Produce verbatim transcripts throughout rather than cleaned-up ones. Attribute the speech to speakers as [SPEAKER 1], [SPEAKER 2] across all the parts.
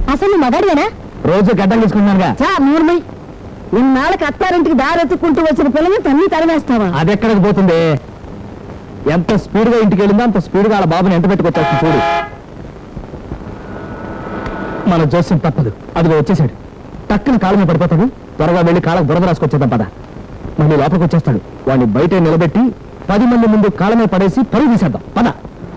[SPEAKER 1] అసలు నువ్వు మగాడివేనా?
[SPEAKER 2] రోజు గడ్డలు తీసుకుంటున్నానుగా.
[SPEAKER 1] నూర్మై, ఇన్నాళ్ళకి అత్తారింటికి దారెత్తుకుంటూ వచ్చిన పిల్లల్ని తన్ని తరివేస్తావా?
[SPEAKER 2] అది ఎక్కడికి పోతుంది? ఎంత స్పీడ్ గా ఇంటికి వెళ్ళిందో అంత స్పీడ్ గా వాళ్ళ బాబుని ఎంట పెట్టుకొచ్చేస్తుంది చూడు. మన జోస్యం తప్పదు, అదిగో వచ్చేసాడు. టక్కున కాళ్ళ మీద పడిపోతాడు. త్వరగా వెళ్ళి కాళ్ళకు బురద రాసుకొచ్చేద్దాం పద. మళ్ళీ లోపలికి వచ్చేస్తాడు. వాడిని బయట నిలబెట్టి పది మంది ముందు కాళ్ళ మీద పడేసి పరుగు తీసేద్దాం పద.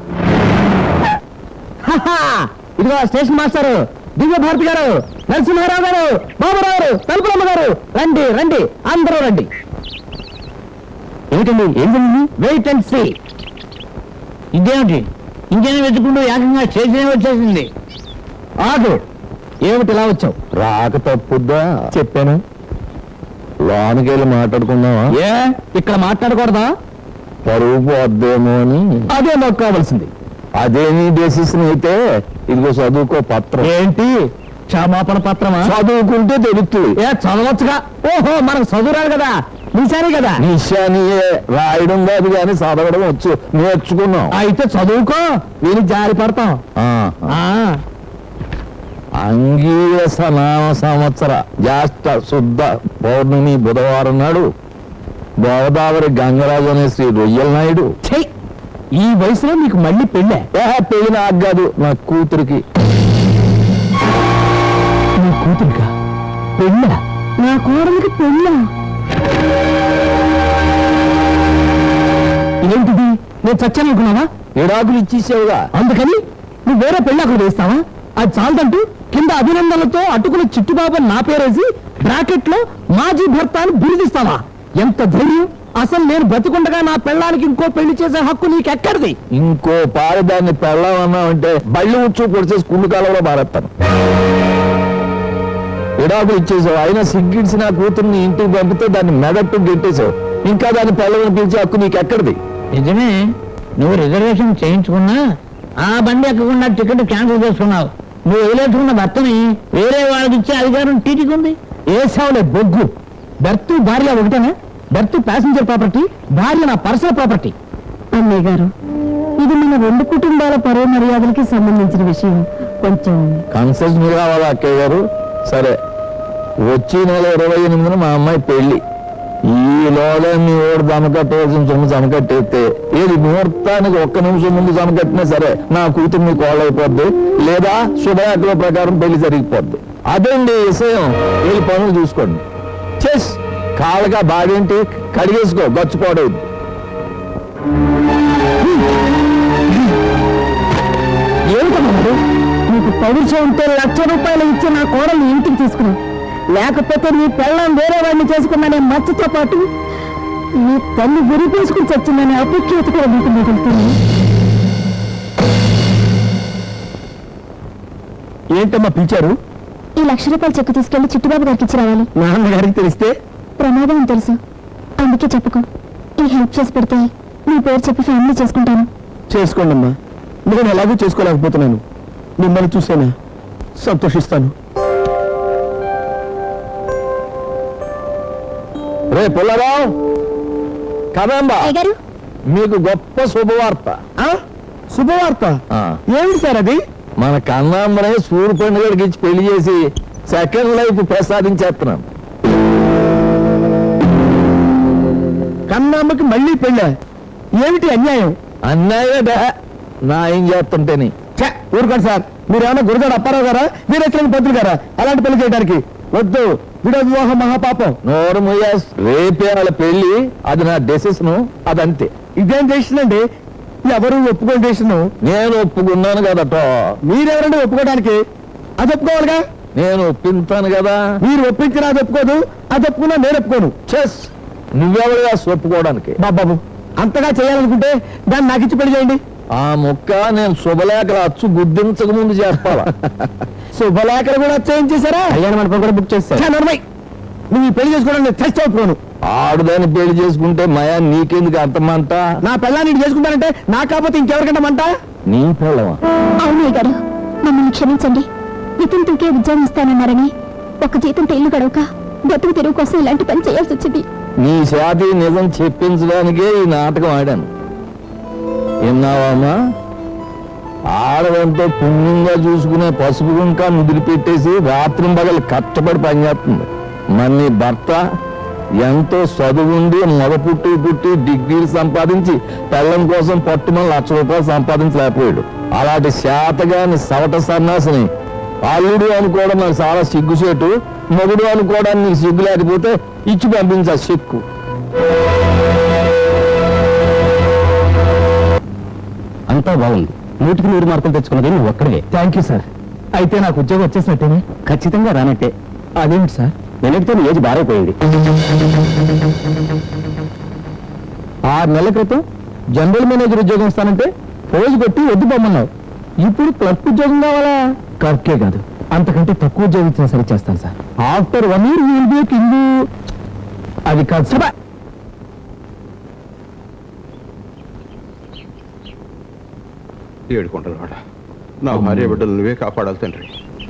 [SPEAKER 2] ఇదిగో స్టేషన్ మాస్టర్, దివ్య భారతి గారు, నరసింహారావు గారు, బాబురావు గారు, తలుపులమ్మ గారు, రండి రండి అందరూ రండి. ఏమిటండి ఏం జరిగింది? Wait and see.
[SPEAKER 3] ఇదేమిటి ఇంకేనా వెతుకుంటూ ఏకంగా స్టేషన్ వచ్చేసింది?
[SPEAKER 2] ఆగు, ఏమిటి ఇలా వచ్చావు?
[SPEAKER 4] రాక తప్పుద్దా?
[SPEAKER 2] చెప్పాను.
[SPEAKER 4] లోనికి వెళ్ళి మాట్లాడుకుందామా?
[SPEAKER 2] ఏ ఇక్కడ మాట్లాడకూడదా?
[SPEAKER 4] పరువు పోద్దేమో అని.
[SPEAKER 2] అదే నాకు కావాల్సింది.
[SPEAKER 4] అదే నీ డెసిషన్ అయితే ఇదిగో చదువుకో పత్రం.
[SPEAKER 2] ఏంటి క్షమాపణ పత్రమా?
[SPEAKER 4] చదువుకుంటే తెలుస్తుంది.
[SPEAKER 2] ఏ చదవచ్చుగా. ఓహో మనకు చదువురాడు కదా, నిశాని కదా.
[SPEAKER 4] నిశానియే రాయడం కాదు కానీ చదవడం వచ్చు, నేర్చుకున్నాం.
[SPEAKER 2] అయితే చదువుకో, నేను జారి పడతాం.
[SPEAKER 4] అంగీరస నామ సంవత్సర జ్యేష్ఠ శుద్ధ పౌర్ణమి బుధవారం నాడు గోదావరి గంగరాజు అనే శ్రీ రొయ్యల నాయుడు.
[SPEAKER 2] ఈ వయసులో నీకు మళ్ళీ పెళ్ళే?
[SPEAKER 4] పెళ్లి నాకు కాదు, నా కూతురికి.
[SPEAKER 2] నీ కూతురికా పెళ్ళ?
[SPEAKER 1] నా కోడలికి పెళ్ళా?
[SPEAKER 2] ఏంటిది? నేను చచ్చాననుకున్నావా?
[SPEAKER 4] విడాకులు ఇచ్చేసావుగా,
[SPEAKER 2] అందుకని నువ్వు వేరే పెళ్ళి అక్కడ వేస్తావా? అది చాలదంటూ కింద అభినందనలతో అటుకుల చిట్టుబాబు నా పేరేసి బ్రాకెట్ లో మాజీ భర్త అని బిరుదిస్తావా? ఎంత ధైర్యం! అసలు నేను బతికుండగా నా పెళ్ళానికి ఇంకో పెళ్లి చేసే హక్కు నీకెక్కడిది?
[SPEAKER 4] ఇంకో పారి దాన్ని పెళ్ళామన్నావంటే బళ్ళు ఉచ్చు పొడిచేసి కుళ్ళు కాలంలో మారేస్తాను. విడాకులు ఇచ్చేసావు, అయినా సిగ్గిడిసి నా కూతుర్ని ఇంటికి పంపితే దాన్ని మెదట్టు గెట్టేసావు. ఇంకా దాన్ని పెళ్ళని పిలిచే హక్కు నీకెక్కడిది?
[SPEAKER 3] నిజమే, నువ్వు రిజర్వేషన్ చేయించుకున్నా ఆ బండి ఎక్కకుండా టికెట్ క్యాన్సిల్ చేసుకున్నావు. నువ్వు వదిలేసుకున్న భర్తని వేరే వాళ్ళకి ఇచ్చే అధికారం టీటీకి ఉంది.
[SPEAKER 2] ఏసావులే బొగ్గు. బెర్త్ భార్య ఒకటేనా? బెర్త్ ప్యాసింజర్ ప్రాపర్టీ, భార్య నా పర్సనల్ ప్రాపర్టీ.
[SPEAKER 1] అన్నయ్య గారు, ఇది మన రెండు కుటుంబాల పరువు మర్యాదలకి సంబంధించిన విషయం. కొంచెం
[SPEAKER 4] కన్సెషన్ కావాలా అక్కయ్య గారు? సరే, వచ్చే నెల ఇరవై ఎనిమిదిన మా అమ్మాయి పెళ్లి. ఈలోగా మీ ఓడి జమకట్టవలసిన సొమ్ము జమకట్టేస్తే ఏది ముహూర్తానికి ఒక్క నిమిషం ముందు జమకట్టినా సరే నా కూతురు మీ కోళ్ళ అయిపోద్ది, లేదా శుభయాత్ర ప్రకారం పెళ్లి జరిగిపోద్ది. అదండి విషయం. వీళ్ళు పనులు చూసుకోండి. చెస్ కాళ్ళగా బాగేంటి, కడిగేసుకో, గచ్చిపోవడం.
[SPEAKER 1] ఏమిటన్నారు? నీకు పౌరుషంతో లక్ష రూపాయలు ఇచ్చి నా కోడల్ని ఇంటికి తీసుకున్నావు. లేకపోతే నీ పెళ్ళం వేరే వాడిని చేసుకున్నానే మచ్చతో పాటు నీ తల్లి విరిపేసుకుని చచ్చిందనే అపేక్షత కూడా నీకు మిగులుతుంది.
[SPEAKER 2] ఏంటమ్మా పిలిచారు?
[SPEAKER 1] ఈ లక్ష రూపాయలు చెక్కు తీసుకెళ్లి చిట్టుబాబు గారికి ఇచ్చి రావాలి.
[SPEAKER 2] నాన్నగారికి తెలిస్తే
[SPEAKER 1] ప్రమాదం అని తెలుసు, అందుకే చెప్పుకో. ఈ హెల్ప్ చేసి పెడితే నీ పేరు చెప్పి ఫ్యామిలీ చేసుకుంటాను.
[SPEAKER 2] చేసుకోండి అమ్మా, నేను ఎలాగూ చేసుకోలేకపోతున్నాను. మిమ్మల్ని చూసేనా సంతోషిస్తాను.
[SPEAKER 4] రే పుల్లారావు, కదంబా మీకు గొప్ప శుభవార్త.
[SPEAKER 2] శుభవార్త? ఏమిటి సార్ అది?
[SPEAKER 4] మన కన్నాంబరే సూర్య పండుగడికి ఇచ్చి పెళ్లి చేసి సెకండ్ లైఫ్ ప్రసాదించేస్తున్నాం.
[SPEAKER 2] కన్నామ్మకి మళ్ళీ పెళ్ళ? ఏమిటి అన్యాయం?
[SPEAKER 4] అన్యాయట నా ఏం చేస్తుంటేని.
[SPEAKER 2] ఊరుకోండి సార్, మీరేమన్నా గురుగారు అప్పారావు గారా, వీరేశ్వర పంతులు గారా అలాంటి పెళ్లి చేయడానికి? వద్దు, విడో వివాహం మహాపాపం.
[SPEAKER 4] నోరు ముయాస్, రేపే వాళ్ళ పెళ్లి, అది నా డెసిషన్, అదంతే.
[SPEAKER 2] ఇదేం డెసిషన్ అండి? ఎవరు ఒప్పుకోని డెసిషన్?
[SPEAKER 4] నేను ఒప్పుకున్నాను కదట.
[SPEAKER 2] మీరెవరండి ఒప్పుకోవడానికి? అది ఒప్పుకోవాలిగా.
[SPEAKER 4] నేను ఒప్పించాను కదా.
[SPEAKER 2] మీరు ఒప్పించినా అది ఒప్పుకోదు, అది ఒప్పుకున్నా నేను ఒప్పుకోను.
[SPEAKER 4] చెస్ నువ్వెవరుగా ఒప్పుకోవడానికి?
[SPEAKER 2] బాబాబు, అంతగా చేయాలనుకుంటే దాన్ని నాకు ఇచ్చి పెళ్లి చేయండి.
[SPEAKER 4] ఆ ముక్క నేను శుభలేఖలు అచ్చు గుర్తించక ముందు చేస్తావా?
[SPEAKER 2] శుభలేఖలు కూడా చేయించేశారా? కళ్యాణ మండపం కూడా బుక్ చేస్తా. నువ్వు ఈ పెళ్లి చేసుకోవడం నేను చచ్చి ఒప్పుకోను.
[SPEAKER 4] ఆడుదాన్ని పెళ్లి చేసుకుంటే మయా నీకెందుకు అంతమంట?
[SPEAKER 2] నా పెళ్ళాన్ని చేసుకుంటానంటే నా కాకపోతే ఇంకెవరికంటే మంట?
[SPEAKER 4] నీ పెళ్ళవా?
[SPEAKER 1] అవునయ్య గారు, మమ్మల్ని క్షమించండి. వితంతుకే ఉద్యోగం ఇస్తానన్నారని ఒక జీతంతో ఇల్లు గడవక బతుకు తెరువు కోసం ఇలాంటి పని చేయాల్సి వచ్చింది.
[SPEAKER 4] నీ శాతి నిజం చెప్పించడానికే ఈ నాటకం ఆడాను. విన్నావమ్మా? ఆడదంతో పుణ్యంగా చూసుకునే పసుపు గుంకా వదిలిపెట్టేసి రాత్రి పగలు కష్టపడి పనిచేస్తుంది. మరి నీ భర్త ఎంతో చదువుండి మొద పుట్టి పుట్టి డిగ్రీలు సంపాదించి పెళ్ళం కోసం పట్టుమని లక్ష రూపాయలు సంపాదించలేకపోయాడు. అలాంటి శాతగాని సవట సన్నాసిని అల్లుడు అనుకోవడం నాకు చాలా సిగ్గుసేటు. మొగుడు అనుకోవడానికి నీకు సిగ్గు లేకపోతే ఇచ్చి పంపించా సిక్కు.
[SPEAKER 2] అంతా బాగుంది. నూటికి నూరు మార్కులు తెచ్చుకున్నది నువ్వు ఒక్కడే. Thank you sir. అయితే నాకు ఉద్యోగం వచ్చేసినట్టేనే? ఖచ్చితంగా రానట్టే. అదేమిటి సార్? నేనైతే నీ ఏజ్ బారైపోయింది. ఆరు నెలల క్రితం జనరల్ మేనేజర్ ఉద్యోగం ఇస్తానంటే రోజు కొట్టి వద్దు పొమ్మన్నావు. ఇప్పుడు క్లర్క్ ఉద్యోగం కావాలా? క్లర్కే కాదు, అంతకంటే తక్కువ ఉద్యోగం ఇచ్చినా సరే చేస్తాను sir. After one year will be king. అది కాదు సభ.
[SPEAKER 5] ఏడుకుంటున్నాడు. నా భార్య బిడ్డలు నువ్వే కాపాడాలి తండ్రి.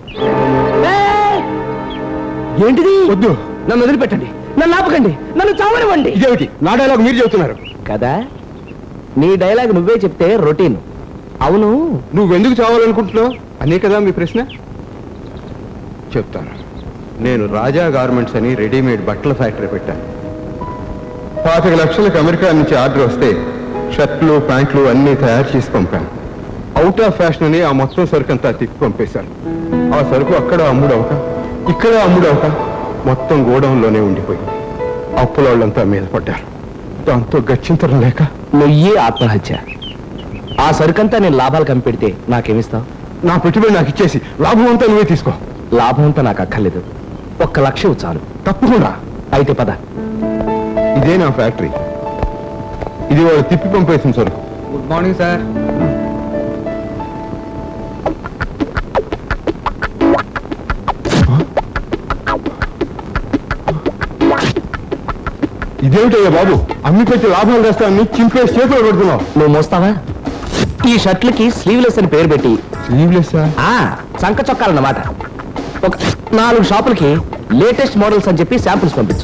[SPEAKER 2] ఏంటిది?
[SPEAKER 5] వద్దు,
[SPEAKER 2] నన్ను వదిలిపెట్టండి, నన్ను ఆపకండి, నన్ను చావనివ్వండి.
[SPEAKER 5] ఇదేమిటి నా డైలాగ్ మీరు చెబుతున్నారు
[SPEAKER 2] కదా? నీ డైలాగ్ నువ్వే చెప్తే రొటీన్. అవును,
[SPEAKER 5] నువ్వెందుకు చావాలనుకుంటున్నావు అనే కదా మీ ప్రశ్న. చెప్తాను. నేను రాజా గార్మెంట్స్ అని రెడీమేడ్ బట్టల ఫ్యాక్టరీ పెట్టాను. పాతిక లక్షలకు అమెరికా నుంచి ఆర్డర్ వస్తే షర్ట్లు ప్యాంట్లు అన్నీ తయారు చేసి పంపాను. అవుట్ ఆఫ్ ఫ్యాషన్ అని ఆ మొత్తం సరుకు అంతా తిప్పి పంపేశాను. ఆ సరుకు అక్కడ అమ్ముడవక ఇక్కడ అమ్ముడవక మొత్తం గోడౌన్లోనే ఉండిపోయింది. అప్పుల వాళ్ళంతా మీద పడ్డారు. దాంతో గచ్చింతరం లేక
[SPEAKER 2] నువ్యే ఆత్మహత్య. ఆ సరుకంతా నేను లాభాలు కంపెడితే నాకేమిస్తావు?
[SPEAKER 5] నా పెట్టుబడి నాకు ఇచ్చేసి లాభం అంతా నువ్వే తీసుకో.
[SPEAKER 2] లాభం అంతా నాకు అక్కర్లేదు, ఒక్క లక్ష చాలు.
[SPEAKER 5] తప్పకుండా.
[SPEAKER 2] అయితే పద.
[SPEAKER 5] ఇదే నా ఫ్యాక్టరీ. ఇది వాళ్ళు తిప్పి పంపేసిన సరుకు.
[SPEAKER 2] Good morning sir.
[SPEAKER 5] ఇదేమిటయ్యా బాబు, అమ్మి పెట్టి లాభాలు తెస్తాను చింపేసి చేతులు పెడుతున్నావు.
[SPEAKER 2] నువ్వు మోస్తావా? ఈ షర్ట్లకి స్లీవ్లెస్ అని పేరు పెట్టి
[SPEAKER 5] స్లీవ్లెస్
[SPEAKER 2] ఆ చంక చొక్కాలన్నమాట. ఒక నాలుగు షాపులకి లేటెస్ట్ మోడల్స్ అని చెప్పి శాంపుల్స్ పంపించు.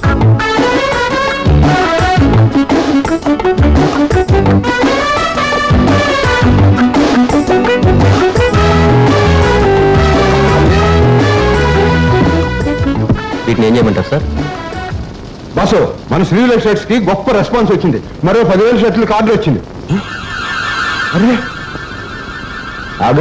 [SPEAKER 2] వీటిని ఏం చేయమంటారు సార్?
[SPEAKER 5] బాసు, మన స్లీవ్లెస్ షర్ట్స్ కి గొప్ప రెస్పాన్స్ వచ్చింది. మరో పదివేల షర్ట్లకు ఆర్డర్ వచ్చింది. అరే
[SPEAKER 2] ఆడు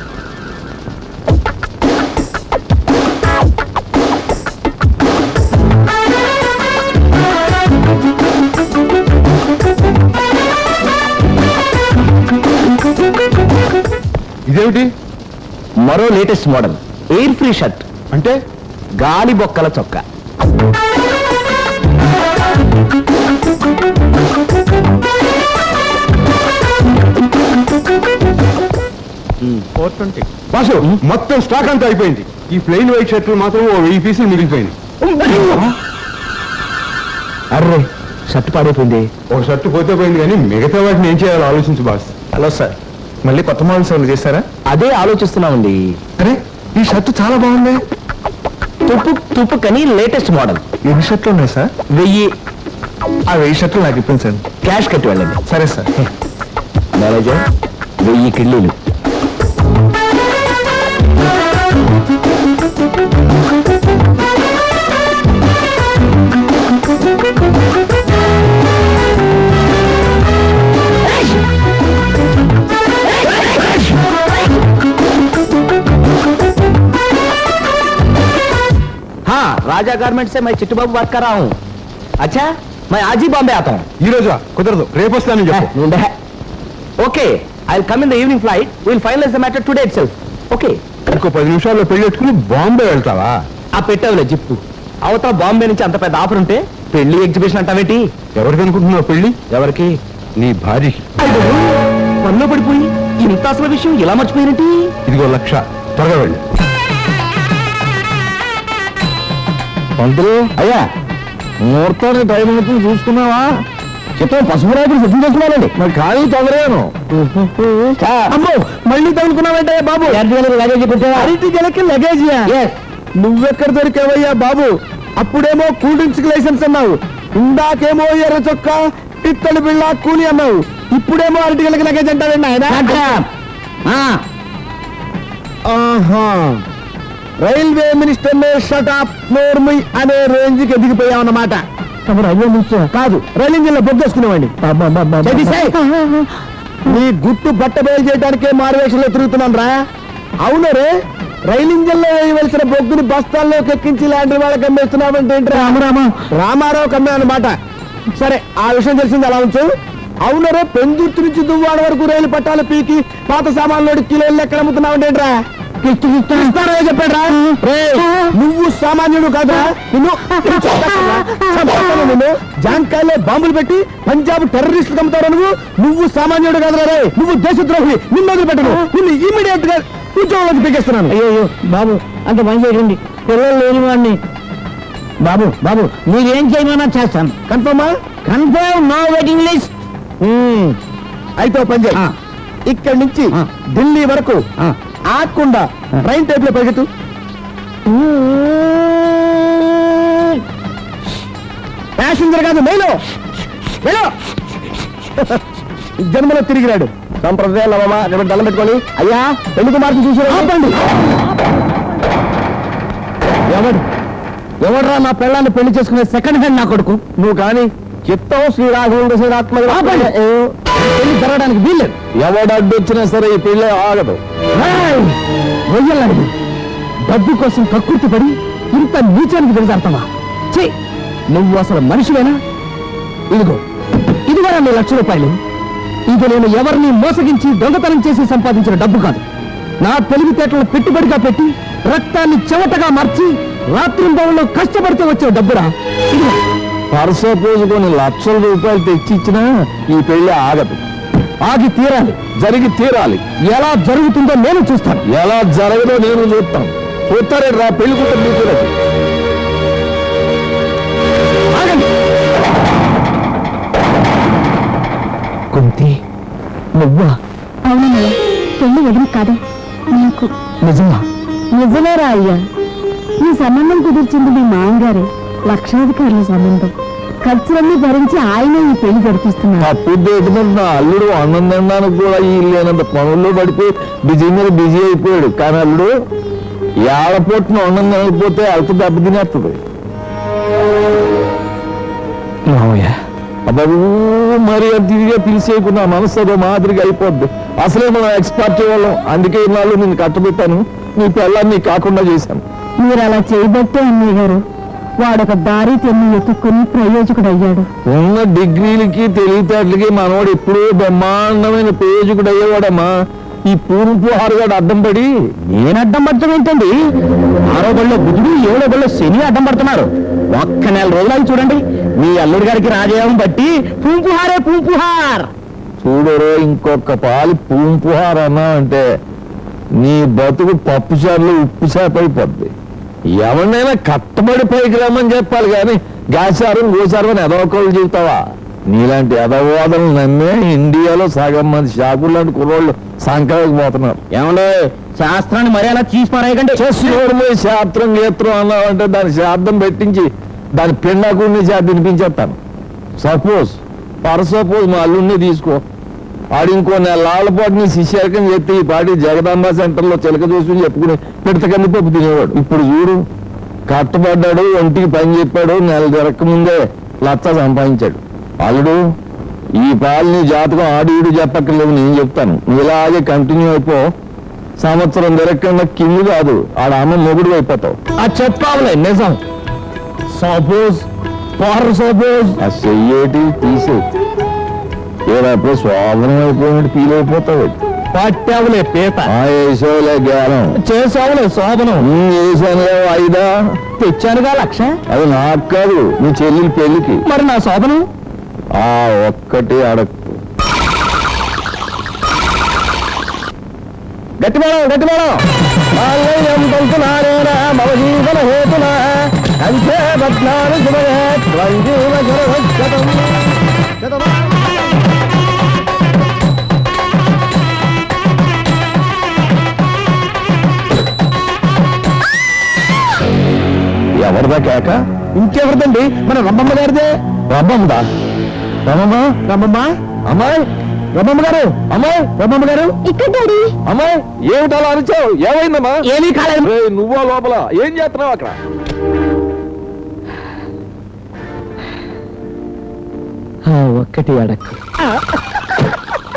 [SPEAKER 5] ఇదేమిటి?
[SPEAKER 2] మరో latest model air free shirt.
[SPEAKER 5] అంటే
[SPEAKER 2] గాలి బొక్కల చొక్కా.
[SPEAKER 5] బాసు, మొత్తం స్టాక్ అంతా అయిపోయింది. ఈ ప్లెయిన్ వైట్ షర్ట్లు మాత్రం ఓ వెయ్యి పీసులు మిగిలిపోయింది.
[SPEAKER 2] అర్రే, షర్ట్ పాడైపోయింది.
[SPEAKER 5] ఒక షర్ట్ పోతే పోయింది, కానీ మిగతా వాటిని ఏం చేయాలో ఆలోచించు బాస్.
[SPEAKER 2] హలో సార్,
[SPEAKER 5] మళ్ళీ కొత్త మోడల్స్ ఏమైనా చేస్తారా?
[SPEAKER 2] అదే ఆలోచిస్తున్నామండి.
[SPEAKER 5] అరే, ఈ షర్ట్ చాలా బాగుంది.
[SPEAKER 2] తుప్పు తుప్పు కని లేటెస్ట్ మోడల్.
[SPEAKER 5] ఎన్ని షర్ట్లు ఉన్నాయి సార్?
[SPEAKER 2] వెయ్యి.
[SPEAKER 5] ఆ వెయ్యి షర్ట్లు నాకు ఇప్పింది సార్.
[SPEAKER 2] క్యాష్ కట్టి వెళ్ళండి.
[SPEAKER 5] సరే సార్.
[SPEAKER 2] మేనేజర్, వెయ్యి కిళ్ళీలు. हाँ, राजा गारमेंट से मैं चिट्टू बाबू बात कर रहा हूँ. अच्छा, मैं आज ही बॉम्बे आता हूँ.
[SPEAKER 5] ఈ రోజా? కుదరదు, రేపు వస్తానని చెప్పు.
[SPEAKER 2] Okay, I will come in the evening flight. Will finalize the matter today itself. Okay.
[SPEAKER 5] ఇంకో పది నిమిషాల్లో పెళ్లి పెట్టుకుని బాంబే వెళ్తావా?
[SPEAKER 2] ఆ పెట్టావులే జిప్పు. అవతల బాంబే నుంచి అంత పెద్ద ఆఫర్ ఉంటే పెళ్లి ఎగ్జిబిషన్ అంటావేంటి?
[SPEAKER 5] ఎవరికి అనుకుంటున్నావు పెళ్లి?
[SPEAKER 2] ఎవరికి?
[SPEAKER 5] నీ భార్యకి.
[SPEAKER 2] పనిలో పడిపోయి ఇంత అసలు విషయం ఇలా మర్చిపోయినట్టి.
[SPEAKER 5] ఇదిగో లక్ష, త్వరగా వెళ్ళి.
[SPEAKER 4] పంతులు అయ్యా, ముహూర్తానికి టైం అవుతుంది చూసుకున్నావా? చిత్రం పసుపు రాత్రి సిద్ధం చేసుకున్నానండి. మరి ఖాళీ తొందరగాను.
[SPEAKER 2] అమ్మో, మళ్ళీ తగులుకున్నావంటే బాబు.
[SPEAKER 4] లగేజ్ పెట్టావా?
[SPEAKER 2] అరటి గెలకి లగేజియా? నువ్వెక్కడ దొరికావయ్యా బాబు? అప్పుడేమో కూల్ డ్రింక్స్ లైసెన్స్ అన్నావు, ఇందాకేమో ఎర్ర చొక్క ఇత్తడి బిళ్ళ కూలి అన్నావు, ఇప్పుడేమో అరటి గెలకి లగేజ్ అంటావండి ఆయన. ఆహా రైల్వే మినిస్టర్ షట్ అప్ నోర్మి అనే రేంజ్ కి ఎదిగిపోయామన్నమాట.
[SPEAKER 1] రైల్వే మినిస్టర్
[SPEAKER 2] కాదు రైలు ఇంజిన్ లో బొగ్గేసుకునేవాడిని. నీ గుట్టు బట్ట బయలు చేయడానికే మారువేషంలో తిరుగుతున్నాను రా. అవును రే, రైలు ఇంజిన్ లో వేయవలసిన బొగ్గుని బస్తాల్లోకి ఎక్కించి లాంటి వాళ్ళకి అమ్మేస్తున్నావంటే ఏంటి? రామరామ రామారావు కమ్మే అన్నమాట. సరే ఆ విషయం తెలిసింది అలా ఉంచు. అవును రే, పెందుర్తి నుంచి దువ్వాడ వరకు రైలు పట్టాలు పీకి పాత సామాన్లు కిలోలు ఎక్కడ అమ్ముతున్నావంటే ఏంట్రా? చెప్పాడు రా. నువ్వు సామాన్యుడు కాదురా. నిన్ను నిన్ను జాంకాయలో బాంబులు పెట్టి పంజాబ్ టెర్రరిస్టులు అమ్ముతావు. నువ్వు నువ్వు సామాన్యుడు కాదురా రే, నువ్వు దేశద్రోహి. నిన్ను వదిలిపెట్టను. నిన్ను ఇమీడియట్ గా ఉద్యోగంలోకి పీకేస్తున్నాను.
[SPEAKER 3] అయ్యో బాబు అంత పని చేయండి, పిల్లలు లేని వాడిని. బాబు బాబు మీరేం చేయమన్నా చేస్తాను.
[SPEAKER 2] కన్ఫర్మా?
[SPEAKER 3] Confirm, no waiting list.
[SPEAKER 2] అయితే ఓ పని చేయి. ఇక్కడి నుంచి ఢిల్లీ వరకు ఆకుండా ట్రైన్ టైప్ లో పరిగెత్తు. ప్యాసింజర్ కాదు, మేలో మేలో. జన్మలో తిరిగిరాడు. సంప్రదాయాలు అవ్వమా దండం పెట్టుకొని అయ్యా పెళ్లి కుమార్తె చూసి ఆపండి. ఎవడు ఎవడరా నా పెళ్ళాన్ని పెళ్లి చేసుకునే సెకండ్ హ్యాండ్ నా కొడుకు? నువ్వు కానీ చిత్తం శ్రీరాఘవుడు శ్రీరాత్మ పెళ్లి జరగడానికి వీల్లేదు.
[SPEAKER 4] ఎవడు అడ్డొచ్చినా సరే ఈ పెళ్ళి ఆగదు.
[SPEAKER 2] రొయ్యలాడి డబ్బు కోసం కక్కుర్తి పడి ఇంత నీచానికి దిగజారుతావా? ఛీ, నువ్వు అసలు మనిషివేనా? ఇదిగో ఇదిగో నీ లక్ష రూపాయలు. ఇది నేను ఎవరిని మోసగించి దొంగతనం చేసి సంపాదించిన డబ్బు కాదు. నా తెలివితేటలను పెట్టుబడిగా పెట్టి రక్తాన్ని చెమటగా మార్చి రాత్రింబవల్లో కష్టపడితే వచ్చే డబ్బురా. ఇదిగో
[SPEAKER 4] పర్సో పోసుకొని లక్షల రూపాయలు తెచ్చిచ్చినా ఈ పెళ్లి ఆగదు.
[SPEAKER 2] ఆగి తీరాలి,
[SPEAKER 4] జరిగి తీరాలి.
[SPEAKER 2] ఎలా జరుగుతుందో నేను చూస్తాను.
[SPEAKER 4] ఎలా జరగదో నేను చూస్తాను. చూస్తారే రా పెళ్లి కూతురు తీసుకురాదు.
[SPEAKER 2] ఆగండి. కుంతి, నువ్వా?
[SPEAKER 1] అవునయ్యా, పెళ్లి ఎదురు కాదా నీకు?
[SPEAKER 2] నిజమా?
[SPEAKER 1] నిజమేరా అయ్యా. ఈ సంబంధం కుదిర్చింది మీ మామగారే. లక్షాధికారుల సంబంధం. ఖర్చులన్నీ భరించి ఆయన ఈ పెళ్లి జరిపిస్తున్నారు.
[SPEAKER 4] తప్పు నా అల్లుడు అన్నం తినడానికి కూడా ఈ లేనంత పనుల్లో పడిపోయి బిజీ మీద బిజీ అయిపోయాడు. కానీ అల్లుడు ఏడపొట్టున అన్నం తినకపోతే అల్ప దెబ్బ తినేస్తుంది. అబ్బాబు మరి తిరిగా పిలిచేయకుండా మనసు అదో మాదిరిగా అయిపోద్ది. అసలే మనం ఎక్స్పర్ట్ వాళ్ళం. అందుకే ఇన్నాళ్ళు నేను కట్టబెట్టాను. నీ పిల్లల్ని కాకుండా చేశాను.
[SPEAKER 1] మీరు అలా చేయబట్టే అన్నయ్య గారు వాడొక దారి తెన్ను ఎత్తుక్కుని ప్రయోజకుడు అయ్యాడు.
[SPEAKER 4] ఉన్న డిగ్రీలకి తెలివితేటలకి మనవాడు ఎప్పుడూ బ్రహ్మాండమైన ప్రయోజకుడు అయ్యేవాడమ్మా. ఈ పూర్పు హారుగాడు అడ్డం పడి
[SPEAKER 2] నేను అడ్డం పడటం ఏంటండి? ఆరో బళ్ళో బుధుడు ఏడో బళ్ళో శని అడ్డం పడుతున్నారు. ఒక్క నెల రోజులు చూడండి, మీ అల్లుడి గారికి రాజయోగం బట్టి పూంపుహారే పూంపుహార్.
[SPEAKER 4] చూడరో ఇంకొక పాలి పూంపుహార్ అన్నా అంటే నీ బతుకు పప్పు చారులు ఉప్పు చేప అయిపోద్ది. ఎవరినైనా కట్టబడి పైకి రమ్మని చెప్పాలి కానీ గాచారం గోచారం అని ఎదవకోళ్ళు చెబుతావా? నీలాంటి ఎదవాదనలు నమ్మే ఇండియాలో సగం మంది షాపులు లాంటి కుర్రోళ్ళు సంక్రాంతికి పోతున్నారు.
[SPEAKER 2] ఏమండే, శాస్త్రాన్ని మరి అలా చీసి పారాయకండి.
[SPEAKER 4] చేసి శాస్త్రం గీత్రం అన్నావంటే దాని శార్థం పెట్టించి దాని పిండాకుడిని చేత తినిపించేస్తాను. సపోజ్ పర్ సపోజ్ మా అల్లుడిని తీసుకో. ఆడు ఇంకో నెలల పాటు నీ శిష్యరకం చెప్పి ఈ పాటి జగదాంబ సెంటర్లో చిలక చూసుకుని చెప్పుకుని పిడత కందిపప్పు తినేవాడు. ఇప్పుడు చూడు, కట్టబడ్డాడు, ఒంటికి పని చెప్పాడు, నెల జరగక ముందే లచ్చ సంపాదించాడు. అల్లుడు ఈ పాలు నీ జాతకం ఆడి ఈడు చెప్పక్కర్లేవు, నేను చెప్తాను. నువ్వు ఇలాగే కంటిన్యూ అయిపో. సంవత్సరం జరగకుండా కింది కాదు ఆడ అమ్మ మొగుడు అయిపోతావు.
[SPEAKER 2] అది చెప్పావులే నిజం. సపోజ్ పర్ సపోజ్
[SPEAKER 4] ఆ చెయ్యేటి తీసే ఏడప్పుడు శోభనం అయిపోయినట్టు ఫీల్ అయిపోతావు.
[SPEAKER 2] పట్టావులే పీత.
[SPEAKER 4] ఆ వేసావులే జ్ఞానం,
[SPEAKER 2] చేసావులే శోభనం.
[SPEAKER 4] వేసానులే ఐదా,
[SPEAKER 2] తెచ్చానుగా లక్ష.
[SPEAKER 4] అది నాకు కాదు, నీ చెల్లెలి పెళ్లికి.
[SPEAKER 2] మరి నా శోభనం
[SPEAKER 4] ఆ ఒక్కటి అడక్కు.
[SPEAKER 2] గట్టిమేళం గట్టిమేళం. మమ జీవన హేతున అంతే బద్నాలు శుభయే త్వంజీవ జరవచ్చతం.
[SPEAKER 4] ఎవరిదా కేక?
[SPEAKER 2] ఇంకెవరిదండి, మన రమ్మమ్మ గారిదే.
[SPEAKER 4] రమ్మమ్మదా? రమ్మమ్మ
[SPEAKER 2] రమ్మమ్మ
[SPEAKER 4] అమ్మాయి
[SPEAKER 2] రమమ్మ గారు అమ్మాయి రమమ్మ గారు
[SPEAKER 1] ఇక్కడ డాడీ
[SPEAKER 4] అమ్మాయి ఏమిటి అలా అరిచావు ఏమైందమ్మా
[SPEAKER 2] ఏమీ కాలేదు
[SPEAKER 4] ఏయ్, నువ్వా లోపల ఏం చేస్తున్నావు అక్కడ
[SPEAKER 2] ఒక్కటి అడక్కు